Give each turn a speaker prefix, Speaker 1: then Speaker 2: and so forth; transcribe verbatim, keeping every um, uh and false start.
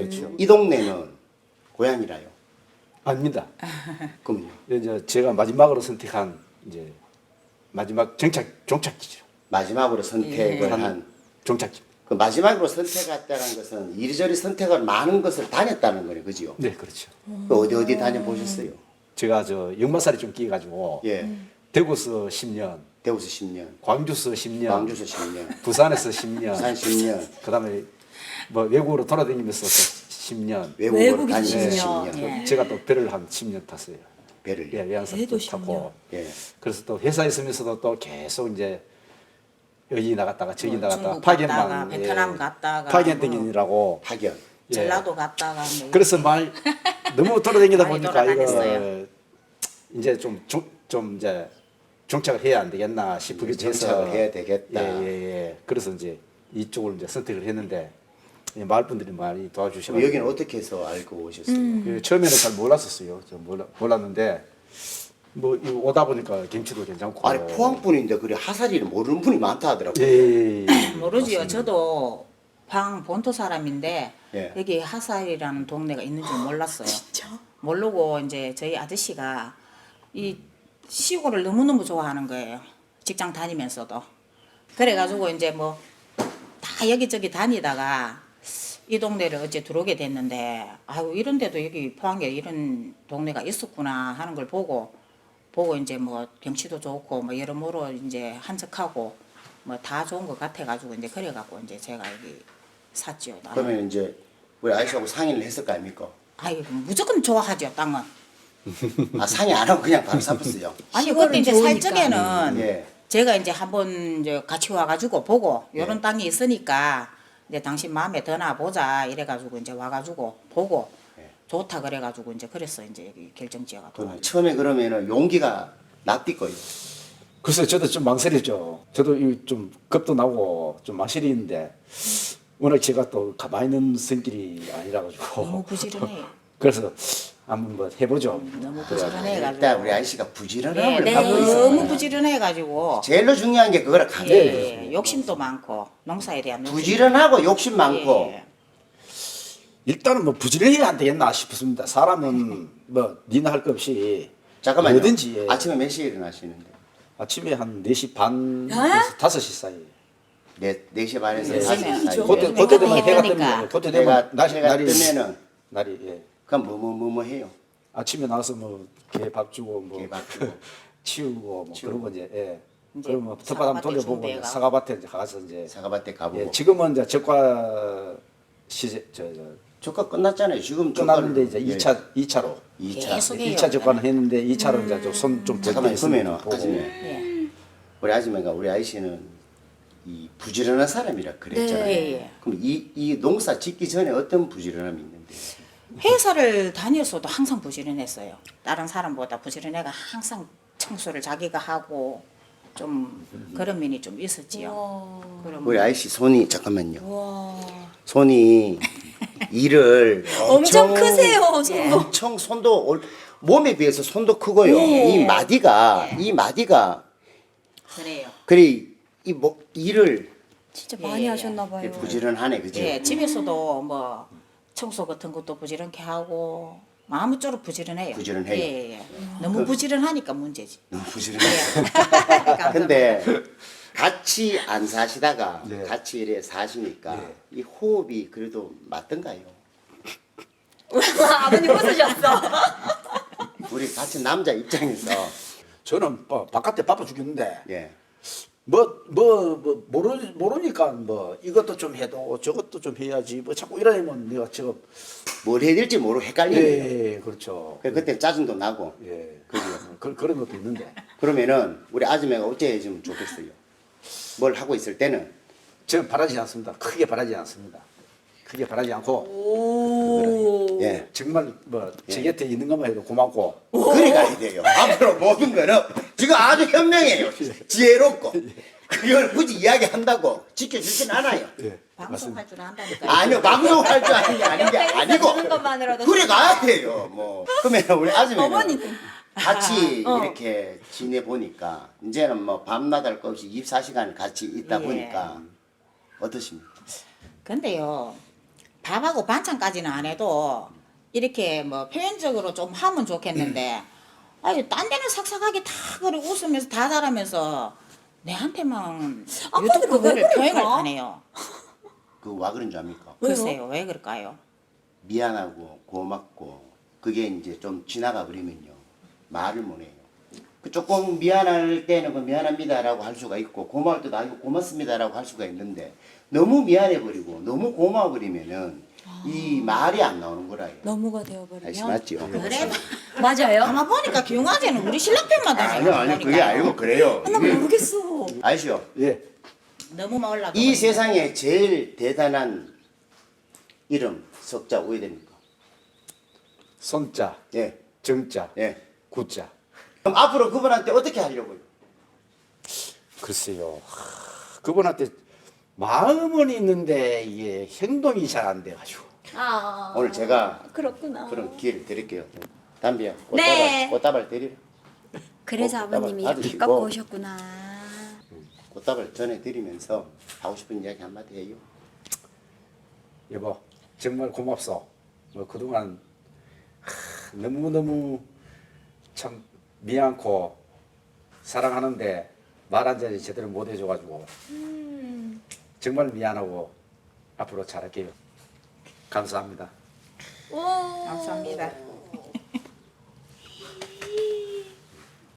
Speaker 1: 그렇죠.
Speaker 2: 이 동네는 고향이라요.
Speaker 1: 아닙니다.
Speaker 2: 그럼요.
Speaker 1: 이제 제가 마지막으로 선택한 이제 마지막 정착 종착지죠.
Speaker 2: 마지막으로 선택을
Speaker 1: 예.
Speaker 2: 한
Speaker 1: 종착지.
Speaker 2: 그 마지막으로 선택했다는 것은 이리저리 선택을 많은 것을 다녔다는 거네, 그지요?
Speaker 1: 네, 그렇죠.
Speaker 2: 그 어디 어디 다녀보셨어요?
Speaker 1: 제가 저 역마살이 좀 끼가지고
Speaker 2: 예,
Speaker 1: 대구서 십 년,
Speaker 2: 대구서 십 년,
Speaker 1: 광주서 십 년,
Speaker 2: 광주서 십 년,
Speaker 1: 부산에서 십 년,
Speaker 2: 부산 십 년,
Speaker 1: 그다음에 뭐 외국으로 돌아다니면서 또 십 년.
Speaker 2: 외국으로
Speaker 3: 외국에서
Speaker 2: 다니면서
Speaker 3: 십
Speaker 2: 십
Speaker 3: 년.
Speaker 2: 년,
Speaker 3: 예.
Speaker 1: 제가 또 배를 한 십 년 탔어요.
Speaker 2: 배를.
Speaker 1: 예, 외항선
Speaker 3: 배도
Speaker 1: 타고.
Speaker 2: 예.
Speaker 1: 그래서 또 회사에 있으면서도 또 계속 이제 여기 나갔다가 저기
Speaker 4: 뭐
Speaker 1: 나갔다가
Speaker 4: 중국
Speaker 1: 파견만
Speaker 4: 갔다가 베트남 갔다가
Speaker 1: 파견
Speaker 4: 뭐
Speaker 1: 땡기느라고
Speaker 2: 파견.
Speaker 1: 예.
Speaker 4: 전라도 갔다가 뭐
Speaker 1: 그래서 말 너무 돌아다니다
Speaker 4: 많이
Speaker 1: 보니까 이거
Speaker 4: 돌아다녔어요.
Speaker 1: 이제 좀 좀 이제 정착을 해야 안 되겠나 싶기도 해서
Speaker 2: 정착을 해야 되겠다.
Speaker 1: 예예예. 예. 그래서 이제 이쪽을 이제 선택을 했는데 이 마을 분들이 많이 도와주셔서
Speaker 2: 그럼 여기는 어떻게 해서 알고 오셨어요?
Speaker 1: 그 처음에는 잘 몰랐었어요. 저 몰라, 몰랐는데 뭐 이 오다 보니까 김치도 괜찮고.
Speaker 2: 아니 포항 분인데 그래 하사리를 모르는 분이 많다 하더라고요.
Speaker 1: 예, 예, 예.
Speaker 4: 모르지요.
Speaker 1: 맞습니다.
Speaker 4: 저도 방 본토 사람인데
Speaker 2: 예.
Speaker 4: 여기 하사이라는 동네가 있는 줄 몰랐어요.
Speaker 3: 진짜?
Speaker 4: 모르고 이제 저희 아저씨가 이 시골을 너무너무 좋아하는 거예요. 직장 다니면서도. 그래가지고 이제 뭐 다 여기저기 다니다가 이 동네를 어째 들어오게 됐는데 아유 이런 데도 여기 포항에 이런 동네가 있었구나 하는 걸 보고 보고 이제 뭐 경치도 좋고 뭐 여러모로 이제 한적하고 뭐 다 좋은 것 같아가지고 이제 그래갖고 이제 제가 여기 샀지요. 나는.
Speaker 2: 그러면 이제 우리 아저씨하고 상의를 했을 거 아닙니까?
Speaker 4: 아이 무조건 좋아하죠 땅은.
Speaker 2: 아 상의 안 하고 그냥 바로 샀었어요.
Speaker 4: 아니
Speaker 3: 시골은
Speaker 4: 그때 이제
Speaker 3: 좋으니까.
Speaker 4: 살 적에는
Speaker 2: 예.
Speaker 4: 제가 이제 한번 이제 같이 와가지고 보고 요런
Speaker 2: 예.
Speaker 4: 땅이 있으니까 이제 당신 마음에 드나 보자 이래가지고 이제 와가지고 보고
Speaker 2: 예.
Speaker 4: 좋다 그래가지고 이제 그랬어 이제 여기 결정지어가
Speaker 2: 그럼
Speaker 4: 또
Speaker 2: 처음에 그러면은 용기가 납디거요.
Speaker 1: 글쎄 저도 좀 망설이죠. 저도 이 좀 겁도 나고 좀 망설이는데 워낙 제가 또 가만히 있는 성질이 아니라 가지고
Speaker 4: 너무 부지런해요.
Speaker 1: 그래서 한번 뭐 해보죠.
Speaker 4: 너무
Speaker 2: 일단
Speaker 4: 부지런해가지고
Speaker 2: 우리 아저씨가
Speaker 4: 네,
Speaker 2: 부지런함을
Speaker 4: 네,
Speaker 2: 갖고
Speaker 4: 너무
Speaker 2: 있어요.
Speaker 4: 부지런해가지고
Speaker 2: 제일로 중요한 게 그거라 가져.
Speaker 4: 예, 욕심도 많고 농사에 대한 욕심.
Speaker 2: 부지런하고 욕심 많고
Speaker 4: 예,
Speaker 1: 일단은 뭐 부지런해야 안 되겠나 싶습니다. 사람은 뭐 니나 할 것 없이
Speaker 2: 잠깐만요.
Speaker 1: 뭐든지 예.
Speaker 2: 아침에 몇 시에 일어나시는데?
Speaker 1: 아침에 한 네 시 반에서 다섯 시 사이.
Speaker 2: 네, 네 시 반에서
Speaker 4: 네,
Speaker 2: 다섯 시
Speaker 4: 시간이죠.
Speaker 2: 사이.
Speaker 1: 그때
Speaker 4: 요즘에
Speaker 1: 그때 되면
Speaker 4: 해가
Speaker 1: 해가
Speaker 4: 뜨니까.
Speaker 1: 뜨면 그때
Speaker 2: 해가
Speaker 1: 되면 날이
Speaker 2: 해가
Speaker 1: 날이
Speaker 2: 뜨면은
Speaker 1: 날이 예.
Speaker 2: 그럼 뭐 뭐 뭐 뭐 해요?
Speaker 1: 아침에 나와서 뭐 개 밥 주고 뭐
Speaker 2: 개밥 주고.
Speaker 1: 치우고 뭐
Speaker 2: 치우고.
Speaker 1: 그런 거 이제 예.
Speaker 4: 이제
Speaker 1: 그러면 텃밭 한번
Speaker 4: 사과밭에
Speaker 1: 돌려보고 이제
Speaker 4: 준비해가.
Speaker 1: 사과밭에 이제 가서 이제
Speaker 2: 사과밭에 가보고.
Speaker 1: 예, 지금은 이제 적과 시제 저저
Speaker 2: 조카 끝났잖아요. 지금
Speaker 1: 끝났는데 이제
Speaker 2: 조카를-
Speaker 1: 이 차 이 차로
Speaker 2: 이 차.
Speaker 4: 계속 해요.
Speaker 1: 일 차 적과는 했는데 이 차로 이제 좀손좀
Speaker 2: 잠깐만요. 그러면은 아줌마,
Speaker 4: 예,
Speaker 2: 우리 아줌마가 우리 아이씨는 이 부지런한 사람이라 그랬잖아요.
Speaker 4: 예, 예.
Speaker 2: 그럼 이, 이 농사 짓기 전에 어떤 부지런함이 있는데?
Speaker 4: 회사를 다녔어도 항상 부지런했어요. 다른 사람보다 부지런해가 항상 청소를 자기가 하고 좀 그런 면이 좀 있었지요.
Speaker 3: 와.
Speaker 4: 그럼
Speaker 2: 우리 아이씨 손이 잠깐만요.
Speaker 3: 와.
Speaker 2: 손이 일을
Speaker 3: 엄청 크세요, 손도.
Speaker 2: 엄청 손도 올- 몸에 비해서 손도 크고요.
Speaker 3: 예.
Speaker 2: 이 마디가 이 마디가
Speaker 4: 그래요.
Speaker 2: 그래 이뭐 일을
Speaker 3: 진짜 많이
Speaker 4: 예,
Speaker 3: 하셨나 봐요.
Speaker 2: 부지런하네, 그죠?
Speaker 4: 예, 집에서도 뭐 청소 같은 것도 부지런케 하고 아무쪼록 부지런해요.
Speaker 2: 부지런해요.
Speaker 4: 예, 예. 너무 부지런하니까 문제지.
Speaker 2: 너무 부지런해.
Speaker 4: 예.
Speaker 2: 근데 같이 안 사시다가
Speaker 1: 네.
Speaker 2: 같이 이래 사시니까
Speaker 1: 네.
Speaker 2: 이 호흡이 그래도 맞던가요?
Speaker 3: 아버님 웃으셨어.
Speaker 2: 우리 같이 남자 입장에서
Speaker 1: 저는 뭐 바깥에 바빠 죽겠는데
Speaker 2: 예.
Speaker 1: 뭐 뭐 뭐 모르 모르니까 뭐 이것도 좀 해도 저것도 좀 해야지 뭐 자꾸 이러면 내가 지금
Speaker 2: 뭘 해야 될지 모르고 헷갈리는 거예요.
Speaker 1: 예 그렇죠.
Speaker 2: 그래, 그때 짜증도 나고.
Speaker 1: 예
Speaker 2: 그죠?
Speaker 1: 그, 그런 것도 있는데
Speaker 2: 그러면은 우리 아줌마가 어째 해주면 좋겠어요. 뭘 하고 있을 때는
Speaker 1: 저는 바라지 않습니다. 크게 바라지 않습니다. 크게 바라지 않고
Speaker 3: 오.
Speaker 2: 예.
Speaker 1: 정말 뭐 제 곁에 있는 것만 해도 고맙고
Speaker 2: 그래 가야 돼요. 앞으로 모든 거는 지금 아주 현명해요. 지혜롭고. 그걸 굳이 이야기한다고 지켜주진 않아요.
Speaker 1: 예
Speaker 4: 방송할 줄 안다니까.
Speaker 2: 아니요, 방송할 줄 아는 게 아닌 게 아니고.
Speaker 3: 듣는 것만으로도
Speaker 2: 그래 가야 돼요. 뭐. 그러면 우리 아줌마는
Speaker 3: 어머니도.
Speaker 2: 같이
Speaker 3: 어.
Speaker 2: 이렇게 지내 보니까 이제는 뭐 밤낮 할 것 없이 이십사 시간 같이 있다
Speaker 4: 예.
Speaker 2: 보니까 어떠십니까?
Speaker 4: 근데요, 밥하고 반찬까지는 안 해도 이렇게 뭐 표현적으로 좀 하면 좋겠는데 아유 딴 데는 삭삭하게 다 그래 웃으면서 다 잘하면서 내한테만
Speaker 3: 아빠들은
Speaker 4: 유독 그거를
Speaker 3: 왜 그럴까?
Speaker 4: 표현을 안 해요.
Speaker 2: 그 와 그런 줄 압니까?
Speaker 3: 왜요?
Speaker 4: 글쎄요 왜 그럴까요?
Speaker 2: 미안하고 고맙고 그게 이제 좀 지나가 버리면요 말을 못 해요. 그 조금 미안할 때는 그 미안합니다라고 할 수가 있고 고마울 때도 아이고 고맙습니다라고 할 수가 있는데 너무 미안해 버리고 너무 고마워 버리면은 이 말이 안 나오는 거라요.
Speaker 3: 너무가 되어버리면.
Speaker 2: 아시 맞죠?
Speaker 4: 그래
Speaker 3: 맞아요.
Speaker 4: 아마 보니까 기웅아재는 우리 신랑 편만
Speaker 2: 아니요 아니요 그게 아니고 그래요.
Speaker 3: 나
Speaker 2: 이게
Speaker 3: 모르겠어.
Speaker 2: 아시죠?
Speaker 1: 예.
Speaker 4: 너무 올라가
Speaker 2: 이 세상에 제일 대단한 이름 석자 오이 됩니까?
Speaker 1: 손자,
Speaker 2: 예,
Speaker 1: 정자,
Speaker 2: 예.
Speaker 1: 구자.
Speaker 2: 그럼 앞으로 그분한테 어떻게 하려고요?
Speaker 1: 글쎄요. 하, 그분한테 마음은 있는데 이게 행동이 잘 안 돼가지고.
Speaker 3: 아.
Speaker 2: 오늘 제가
Speaker 3: 그렇구나.
Speaker 2: 그런 기회를 드릴게요. 담비야, 꽃다발,
Speaker 3: 네.
Speaker 2: 꽃다발 드리라.
Speaker 3: 그래서
Speaker 2: 꽃다발
Speaker 3: 아버님이 이렇게
Speaker 2: 받으시고.
Speaker 3: 갖고 오셨구나.
Speaker 2: 꽃다발 전해드리면서 하고 싶은 이야기 한마디 해요.
Speaker 1: 여보, 정말 고맙소. 뭐 그동안 하, 너무너무 참 미안코 사랑하는데 말 한 자리 제대로 못 해줘가지고 정말 미안하고 앞으로 잘할게요. 감사합니다.
Speaker 3: 오.
Speaker 4: 감사합니다.